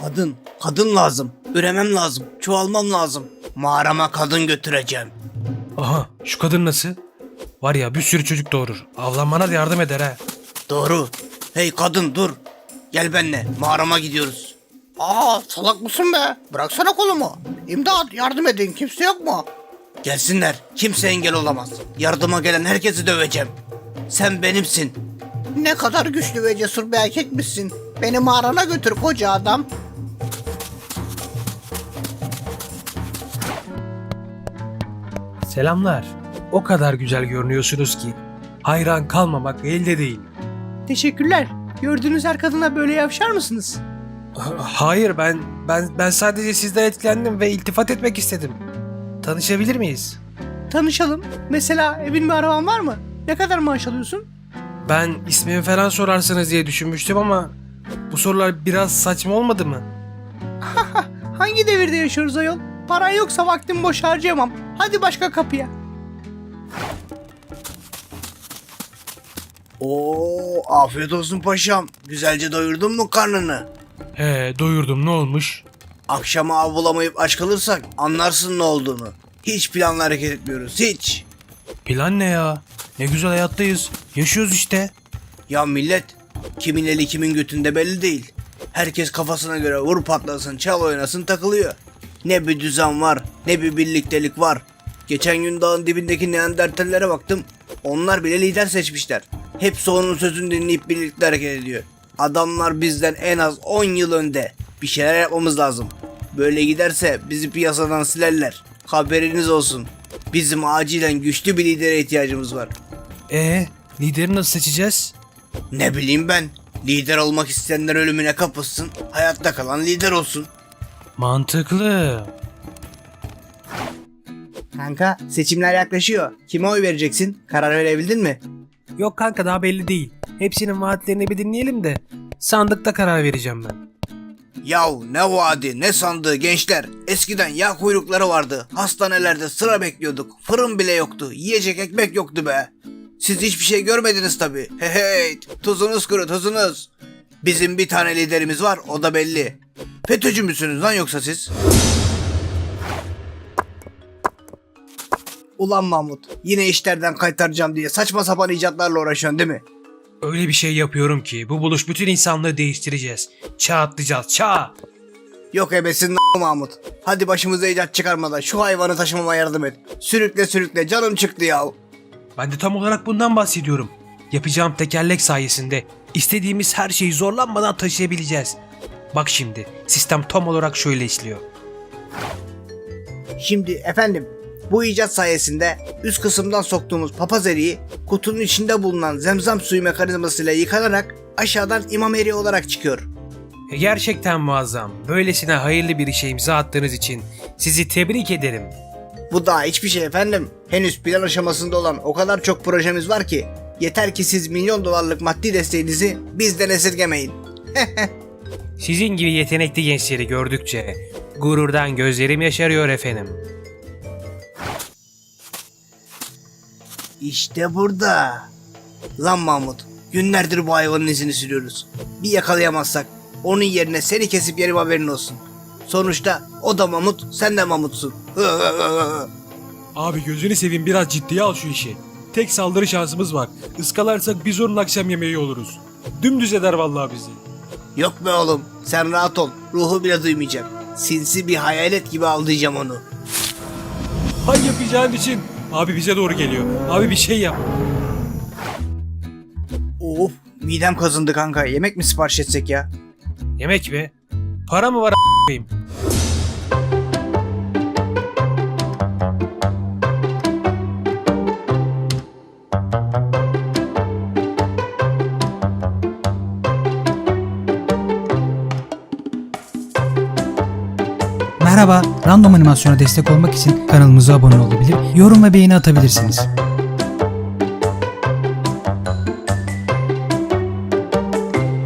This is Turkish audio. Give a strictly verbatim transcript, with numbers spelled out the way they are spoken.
Kadın, kadın lazım. Üremem lazım. Çoğalmam lazım. Mağarama kadın götüreceğim. Aha, şu kadın nasıl? Var ya, bir sürü çocuk doğurur. Avlanmana da yardım eder ha. Doğru. Hey kadın dur. Gel benimle. Mağarama gidiyoruz. Aa, salak mısın be? Bıraksana kolumu. İmdat, yardım edin. Kimse yok mu? Gelsinler. Kimse engel olamaz. Yardıma gelen herkesi döveceğim. Sen benimsin. Ne kadar güçlü ve cesur bir erkekmişsin. Beni mağarana götür koca adam. Selamlar. O kadar güzel görünüyorsunuz ki hayran kalmamak elde değil. Teşekkürler. Gördüğünüz her kadına böyle yavşar mısınız? Ha- Hayır, ben ben ben sadece sizden etkilendim ve iltifat etmek istedim. Tanışabilir miyiz? Tanışalım. Mesela evin bir araban var mı? Ne kadar maaş alıyorsun? Ben ismimi falan sorarsınız diye düşünmüştüm ama bu sorular biraz saçma olmadı mı? Hangi devirde yaşıyoruz ayol? Paran yoksa vaktimi boş harcayamam. Hadi başka kapıya. Oo, afiyet olsun paşam. Güzelce doyurdun mu karnını? He, doyurdum, ne olmuş? Akşama av bulamayıp aç kalırsak anlarsın ne olduğunu. Hiç planla hareket etmiyoruz, hiç. Plan ne ya? Ne güzel hayattayız. Yaşıyoruz işte. Ya millet, kimin eli kimin götünde belli değil. Herkes kafasına göre vur patlasın, çal oynasın takılıyor. Ne bir düzen var, ne bir birliktelik var. Geçen gün dağın dibindeki Neandertallere baktım. Onlar bile lider seçmişler. Hepsi onun sözünü dinleyip birlikte hareket ediyor. Adamlar bizden en az on yıl önde. Bir şeyler yapmamız lazım. Böyle giderse bizi piyasadan silerler. Haberiniz olsun. Bizim acilen güçlü bir lidere ihtiyacımız var. E, lideri nasıl seçeceğiz? Ne bileyim ben. Lider olmak isteyenler ölümüne kapılsın. Hayatta kalan lider olsun. Mantıklı. Kanka, seçimler yaklaşıyor. Kime oy vereceksin? Karar verebildin mi? Yok kanka, daha belli değil. Hepsinin vaatlerini bir dinleyelim de sandıkta karar vereceğim ben. Yahu ne vaadi ne sandığı gençler. Eskiden yağ kuyrukları vardı. Hastanelerde sıra bekliyorduk. Fırın bile yoktu. Yiyecek ekmek yoktu be. Siz hiçbir şey görmediniz tabi. Hey hey, tuzunuz kuru tuzunuz. Bizim bir tane liderimiz var, o da belli. FETÖ'cü müsünüz lan yoksa siz? Ulan Mahmut, yine işlerden kaytaracağım diye saçma sapan icatlarla uğraşıyorsun değil mi? Öyle bir şey yapıyorum ki bu buluş bütün insanlığı değiştireceğiz. Çağ atlayacağız, çağ. Yok ebesin n- Mahmut. Hadi başımıza icat çıkarmadan şu hayvanı taşımama yardım et. Sürükle sürükle, canım çıktı ya. Ben de tam olarak bundan bahsediyorum. Yapacağım tekerlek sayesinde istediğimiz her şeyi zorlanmadan taşıyabileceğiz. Bak şimdi, sistem tam olarak şöyle işliyor. Şimdi efendim, bu icat sayesinde üst kısımdan soktuğumuz papaz eriği kutunun içinde bulunan zemzem suyu mekanizmasıyla yıkanarak aşağıdan imam eriği olarak çıkıyor. E, Gerçekten muazzam. Böylesine hayırlı bir işe imza attığınız için sizi tebrik ederim. Bu daha hiçbir şey efendim. Henüz plan aşamasında olan o kadar çok projemiz var ki yeter ki siz milyon dolarlık maddi desteğinizi bizden esirgemeyin. Sizin gibi yetenekli gençleri gördükçe gururdan gözlerim yaşarıyor efendim. İşte burada. Lan Mahmut, günlerdir bu hayvanın izini sürüyoruz. Bir yakalayamazsak onun yerine seni kesip yerim, haberin olsun. Sonuçta o da Mahmut, sen de Mahmutsun. Abi gözünü seveyim, biraz ciddiye al şu işi. Tek saldırı şansımız var. Iskalarsak biz onun akşam yemeği oluruz. Dümdüz eder vallahi bizi. Yok be oğlum, sen rahat ol. Ruhu bile duymayacak. Sinsi bir hayalet gibi avlayacağım onu. Hay yapacağın için. Abi bize doğru geliyor. Abi bir şey yap. Of, midem kazındı kanka. Yemek mi sipariş etsek ya? Yemek mi? Para mı var a**ayım? Merhaba, Random Animasyon'a destek olmak için kanalımıza abone olabilir, yorum ve beğeni atabilirsiniz.